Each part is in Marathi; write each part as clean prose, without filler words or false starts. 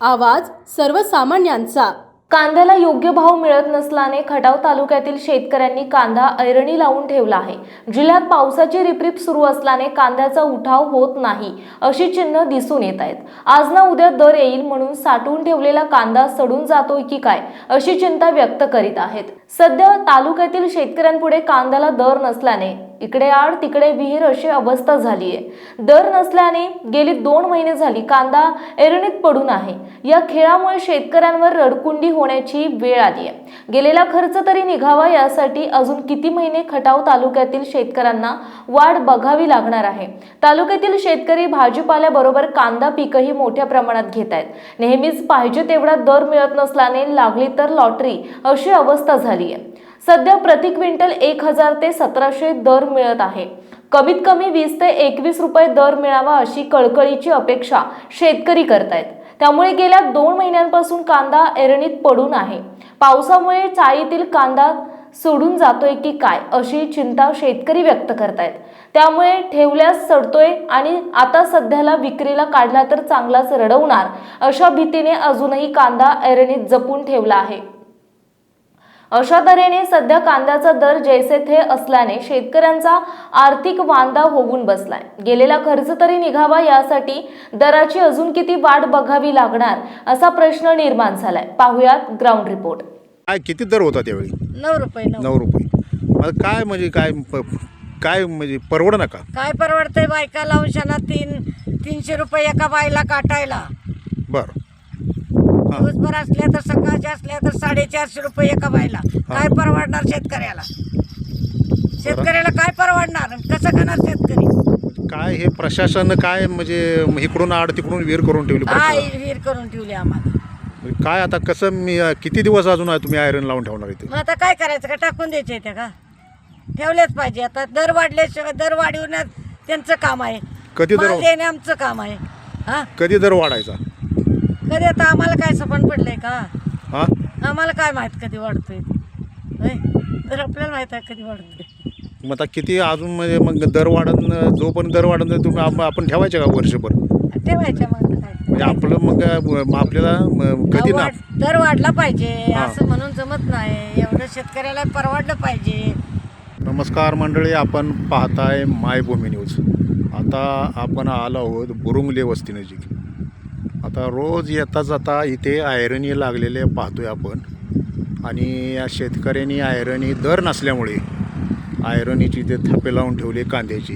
आवाज सर्वसामान्यांचा। कांद्याला योग्य भाव मिळत नसल्याने खटाव तालुक्यातील शेतकऱ्यांनी कांदा ऐरणी लावून ठेवला आहे। जिल्ह्यात पावसाची रिपरिप सुरू असल्याने कांद्याचा उठाव होत नाही अशी चिन्ह दिसून येत आहेत। आज ना उद्या दर येईल म्हणून साठवून ठेवलेला कांदा सडून जातोय की काय अशी चिंता व्यक्त करीत आहेत। सध्या तालुक्यातील शेतकऱ्यांपुढे कांद्याला दर नसल्याने इकडे आड तिकडे विहीर अशी अवस्था झाली आहे। दर नसल्याने गेली 2 महिने झाली कांदा ऐरणीत पडून आहे। या खेळामुळे शेतकऱ्यांवर रडकुंडी होण्याची वेळ आली आहे। गेलेला खर्च तरी निघावा यासाठी अजून किती महिने खटाव तालुक्यातील शेतकऱ्यांना वाट बघावी लागणार आहे। तालुक्यातील शेतकरी भाजीपाल्याबरोबर कांदा पीकही मोठ्या प्रमाणात घेत आहेत। नेहमीच पाहिजे तेवढा दर मिळत नसल्याने लागली तर लॉटरी अशी अवस्था झाली आहे। सध्या प्रति क्विंटल 1000 ते 1700 दर मिळत आहे। कमीत कमी 20 ते 21 रुपये दर मिळावा अशी कळकळीची अपेक्षा शेतकरी करतायत। त्यामुळे गेल्या 2 महिन्यांपासून कांदा ऐरणीत पडून आहे। पावसामुळे चाळीतील कांदा सोडून जातोय की काय अशी चिंता शेतकरी व्यक्त करतायत। त्यामुळे ठेवल्यास सडतोय आणि आता सध्याला विक्रीला काढला तर चांगलाच रडवणार अशा भीतीने अजूनही कांदा ऐरणीत जपून ठेवला आहे। अशा तऱ्हेने सध्या कांद्याचा दर जैसे थे असल्याने शेतकऱ्यांचा आर्थिक वांदा होऊन बसलाय। गेलेला खर्च तरी निघावा यासाठी दराची अजून किती वाट बघावी लागणार असा प्रश्न निर्माण झालाय। पाहुयात ग्राउंड रिपोर्ट। काय किती दर होता त्यावेळी? 9 रुपये 9 रुपये। मला काय म्हणजे काय म्हणजे परवड नका काय परवडतंय? बायका लावून शाना 300 रुपये एका बायला काटायला। बरं दिवसभर असल्या तर सकाळच्या असल्या तर 450 रुपये एका बायला। काय परवडणार शेतकऱ्याला? शेतकऱ्याला काय परवडणार? कसं करणार शेतकरी? काय हे प्रशासन काय म्हणजे इकडून आड तिकडून विहीर करून ठेवली? काय विहीर करून ठेवली आम्हाला? काय आता कसं किती दिवस अजून तुम्ही आयरन लावून ठेवणार इथे? मग आता काय करायचं? का टाकून द्यायचे त्या का? ठेवलेच पाहिजे। आता दर वाढल्याशिवाय दर वाढवण्यात त्यांचं काम आहे। कधी दर देणे आमचं काम आहे। हा कधी दर वाढायचा? कधी आता आम्हाला काय सपन पडलंय का? हा आम्हाला काय माहित कधी वाढतोय? तर आपल्याला माहित आहे कधी वाढतोय। मग आता किती अजून म्हणजे मग दर वाढन जोपर्यंत दर वाढन तुम्ही आपण ठेवायचे का वर्षभर? ठेवायच्या मग काय म्हणजे आपलं मग आपल्याला कधी ना दर वाढला पाहिजे असं म्हणून जमत नाही। एवढं शेतकऱ्याला परवडलं पाहिजे। नमस्कार मंडळी, आपण पाहताय मायभूमी न्यूज। आता आपण आलो आहोत बुरुंगले वस्ती नजीक। आता रोज येता जाता इथे आयरणी लागलेले पाहतोय आपण आणि या शेतकऱ्यांनी आयरणी दर नसल्यामुळे आयरनीची ते थापे लावून ठेवले कांद्याची।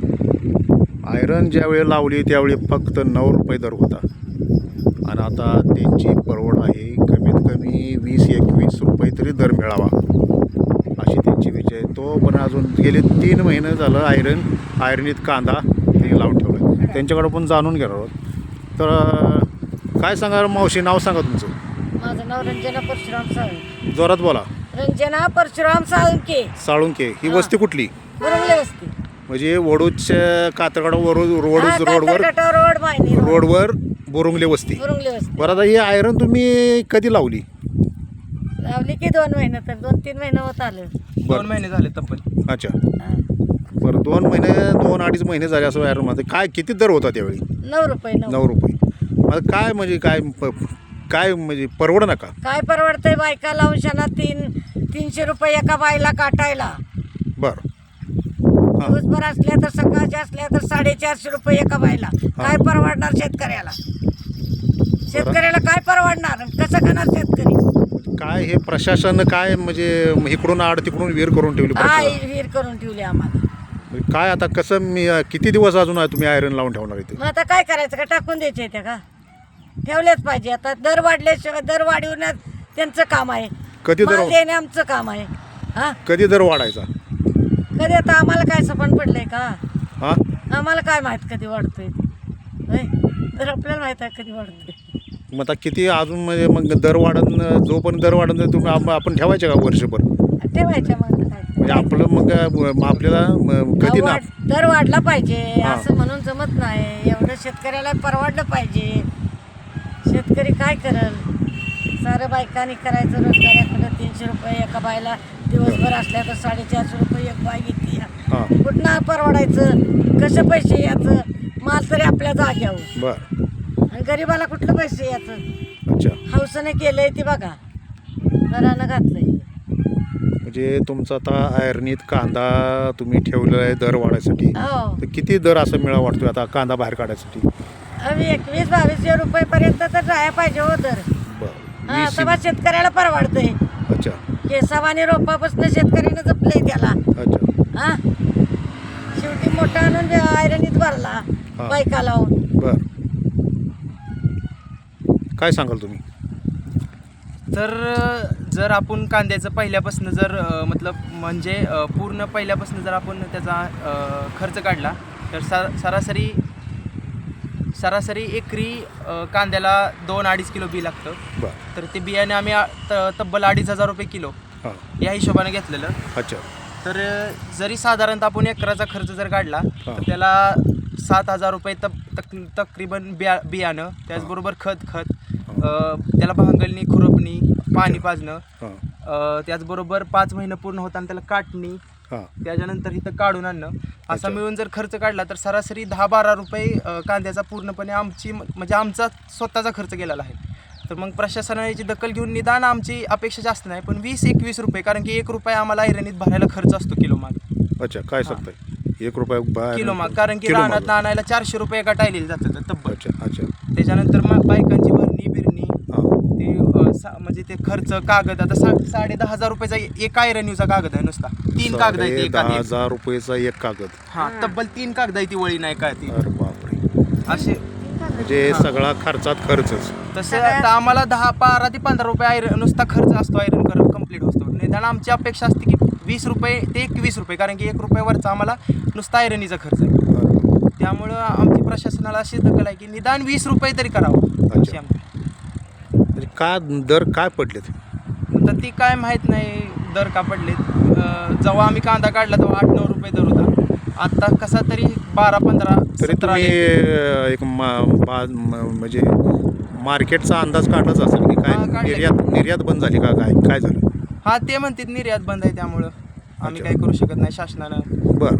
आयरन ज्यावेळी लावली त्यावेळी फक्त 9 रुपये दर होता आणि आता त्यांची परवड आहे कमीत कमी 20-21 रुपये तरी दर मिळावा अशी त्यांची विचार आहे। तो पण अजून गेले 3 महिने झालं आयरनीत कांदा त्यांनी लावून ठेवला। त्यांच्याकडं पण जाणून घेणार आहोत। तर काय सांगा मावशी, नाव सांगा तुमचं? माझं नाव रंजना परशुराम साळुंके। जोरात बोला। रंजना परशुराम साळुंके। साळुंके ही वस्ती कुठली? बुरुंगले वस्ती म्हणजे वडूजच्या कातरगाड रोडवर बुरुंगले वस्ती। बुरुंगले वस्ती। बरं, आता ही आयरन तुम्ही कधी लावली? लावली की 2 महिने तर 2-3 महिने होत आले। 2 महिने झाले तब्बल। अच्छा बरं, 2-2.5 महिने झाले असं आयरन मध्ये। काय किती दर होता त्यावेळी? 9 रुपये 9 रुपये। मला काय म्हणजे काय म्हणजे परवड नका काय परवडतंय? बायका लावून शाना 300 रुपये एका बायला काटायला। बरं दिवसभर असल्या तर सकाळच्या असल्या तर 450 रुपये एका बायला। काय परवडणार शेतकऱ्याला? शेतकऱ्याला काय परवडणार? कसं करणार शेतकरी? काय हे प्रशासन काय म्हणजे इकडून आड तिकडून विहीर करून ठेवली? काय विहीर करून ठेवली आम्हाला? काय आता कसं किती दिवस अजून तुम्ही आयरन लावून ठेवणार इथे? मग आता काय करायचं? का टाकून द्यायचे त्या का? ठेवलेच पाहिजे। आता दर वाढल्याशिवाय दर वाढवण्यात त्यांचं काम आहे। कधी दर देणे आमचं काम आहे। हा कधी दर वाढायचा? कधी आता आम्हाला काय सपन पडलंय का? हा आम्हाला काय माहित कधी वाढतोय? तर आपल्याला माहित आहे कधी वाढतोय। मग आता किती अजून म्हणजे मग दर वाढन जोपर्यंत दर वाढन तुम्ही आपण ठेवायचे का वर्षभर? ठेवायच्या मग काय म्हणजे आपलं मग आपल्याला कधी ना दर वाढला पाहिजे असं म्हणून जमत नाही। एवढं शेतकऱ्याला परवडलं पाहिजे। शेतकरी काय करल? सारं बायकांनी करायचं। रोजगाराकडे 300 रुपये एका बायला। दिवसभर असल्या तर 450 रुपये एक बाय घेतली। कुठनं परवडायचं? कसं पैसे याचं? माल तरी आपल्या जाग्यावर। बरं, आणि गरीबाला कुठलं पैसे याचं? अच्छा, हौसने केलंय ती बघा, घरानं घातलंय. म्हणजे तुमचा आता आयर्नीत कांदा तुम्ही ठेवलेला आहे दर वाढायसाठी, हो, तर किती दर असं मिळा वाटतोय आता कांदा बाहेर काढायसाठी? आम्ही 21-22 रुपयेपर्यंत तर जायला पाहिजे हो तर. बरं, हा, 20. तेव्हा शेतकऱ्याला परवडतंय. अच्छा केसावानी रोपापासून शेतकऱ्यानं जपलंय त्याला. अच्छा, हा, शेवटी मोठा आणून आयरणीत भरला बायका लावून. बरं, काय सांगाल तुम्ही? तर जर आपण कांद्याचं पहिल्यापासून जर मतलब म्हणजे पूर्ण पहिल्यापासून जर आपण त्याचा खर्च काढला तर सरासरी एकरी कांद्याला 2-2.5 किलो बी लागतं. बरं, तर ते बियाणे आम्ही तब्बल 2,500 रुपये किलो हां, या हिशोबाने घेतलेलं. अच्छा, तर जरी साधारणतः आपण एकराचा खर्च जर काढला हां. तर त्याला 7,000 रुपये तकरीबन बियाणं, त्याचबरोबर खत त्याला भांगलणी, खुरपणी, पाणी पाजणं, हां, त्याचबरोबर 5 महिने पूर्ण होताना त्याला काटणी, हां, त्याच्यानंतर इथं काढून आणणं, असा अच्छा. मिळून जर खर्च काढला तर सरासरी 10-12 रुपये कांद्याचा पूर्णपणे म्हणजे आमचा स्वतःचा खर्च गेलेला आहे. तर मग प्रशासनाने याची दखल घेऊन निदान आमची अपेक्षा जास्त नाही पण 20-21 रुपये, कारण की 1 रुपया आम्हाला ऐरणीत भरायला खर्च असतो किलो माग. अच्छा, काय सांगताय? 1 रुपया बाहेर किलो माग, कारण की किलो मागं. रानात आणायला 400 रुपये एका टायलेले जातात तब्बल. अच्छा, अच्छा, त्याच्यानंतर मग बायकांची भरणी बिरणी, हां, ते म्हणजे ते खर्च, कागद, आता 10,500 रुपयाचा एक आयरनीचा कागद आहे नुसता. 3 कागद आहे ते एका 10,000 रुपयेचा एक कागद. हा, तब्बल 3 कागद आहे ती, वळी नाही काय ती अरे बापरे, असे. म्हणजे सगळा खर्चात खर्चच. तसे आता आम्हाला 12 ते 15 रुपये आयरन नुसता खर्च असतो आयरन कम्प्लीट होतो. निदान आमची अपेक्षा असते की 20 रुपये ते 21 रुपये, कारण की 1 रुपयावरचा आम्हाला नुसता आयरनीचा खर्च आहे. त्यामुळं आमची प्रशासनाला अशी दखल आहे की निदान 20 रुपये तरी करावं अशी आमची. म्हणजे का दर काय पडलेत? तर ती काय माहीत नाही दर का पडलेत. जेव्हा आम्ही कांदा काढला तेव्हा 8-9 रुपये दर होता. आता कसा तरी 12-15 तरी 17 तुम्ही आले. एक म्हणजे मार्केटचा अंदाज काढलाच असेल की हा, काय काढलं. निर्यात बंद झाली का, काय झालं? हा, ते म्हणतात निर्यात बंद आहे त्यामुळं आम्ही अच्छा. काही करू शकत नाही शासनानं. बरं,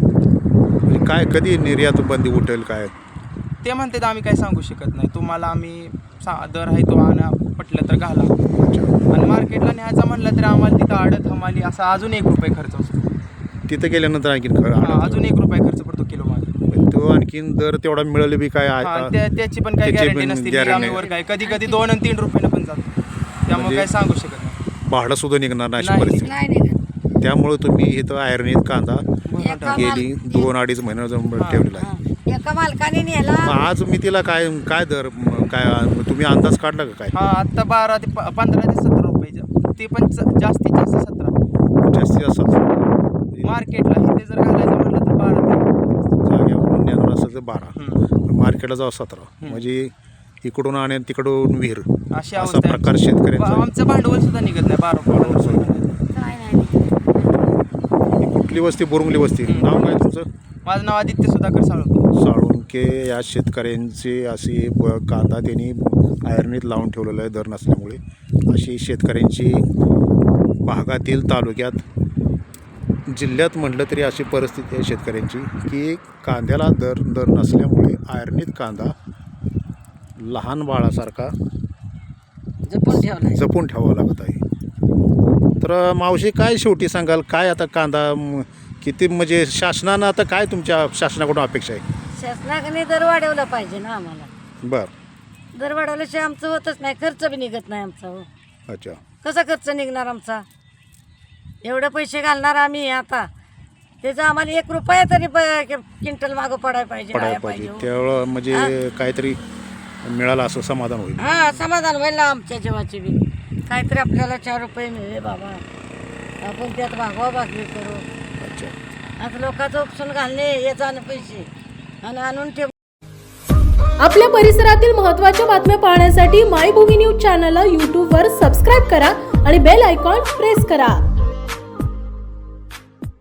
म्हणजे काय कधी निर्यात बंदी उठेल काय? ते म्हणतात आम्ही काही सांगू शकत नाही. तुम्हाला आम्ही दर आहे तो आणा, पटलं तर घाला. अच्छा, आणि मार्केटला न्यायचा म्हणलं तर आम्हाला तिथं आडत हमाली असा अजून 1 रुपये खर्च असतो. तिथं गेल्यानंतर आणखीन हा, अजून 1 रुपये खर्च पडतो किलो मागे. तो आणखीन दर तेवढा मिळेल बी काय हा, त्याची पण काही त्याची गॅरंटी पण नसते. guarantee निलामीवर काय कधी 2 आणि 3 रुपयानं पण जातो. त्यामुळे म्हणजे काही सांगू शकत नाही. भाडं सुद्धा निघणार नाही अशी नाही परिस्थिती. नाही निघत. त्यामुळे तुम्ही इथं आयर्नीत कांदा एका गेली 2-2.5 महिने ठेवलेला आहे. एका मालकाने नेला. मग आज मी तिला काय दर काय तुम्ही अंदाज काढला का काय? हा, आता 15 ते 17 रुपये, ते पण जास्तीत जास्त 17 जास्तीत जास्त मार्केटला. इथे जर घालायचं म्हटलं तर 12 जागेवरून नेणार असेल तर 12, ते मार्केटला जाऊ 17. म्हणजे इकडून आणि तिकडून विहीर अशी असा अवस्था आहे प्रकार आमची. शेतकऱ्यांचा. आमचं भांडवल सुद्धा निघत नाही 12 सुद्धा. काय नाही. ही कुठली वस्ती? बोरुंगली वस्ती. नाव काय तुमचं? माझं नाव आदित्य सुधाकर साळुंके. साळुंके. या शेतकऱ्यांची अशी कांदा त्यांनी आयर्नीत लावून ठेवलेला आहे दर नसल्यामुळे. अशी शेतकऱ्यांची भागातील, तालुक्यात, जिल्ह्यात म्हटलं तरी अशी परिस्थिती आहे शेतकऱ्यांची की कांद्याला दर नसल्यामुळे आयर्नीत कांदा लहान बाळासारखा जपून ठेवलाय. जपून ठेवावं लागत आहे. तर मावशी काय शेवटी सांगाल, काय आता कांदा किती म्हणजे शासनानं आता काय तुमच्या शासनाकडून अपेक्षा आहे? शासनाने दर वाढवला पाहिजे ना आम्हाला. बरं, दर वाढवल्याशिवाय आमचं होतच नाही, खर्च बी निघत नाही आमचा. हो, अच्छा, कसा खर्च निघणार आमचा? एवढे पैसे घालणार आम्ही आता, त्याचं आम्हाला 1 रुपया तरी क्विंटल मागं पडायला पाहिजे. पडायला पाहिजे. त्यावेळं म्हणजे काहीतरी मिळालं असं समाधान होईल. हा, समाधान होईल ना आमच्या जीवाची बी. काहीतरी आपल्याला 4 रुपये मिळेल बाबा, आपण त्यात भागवा भागवी करू. अच्छा, आता लोकांचं उपसून घालणे, ये जाणं पैसे आणि आणून ठेव. आपल्या परिसरातील महत्त्वाच्या बातम्या पाहण्यासाठी मायभूमी न्यूज चॅनलला यूट्यूबवर सबस्क्राईब करा आणि बेल आयकॉन प्रेस करा.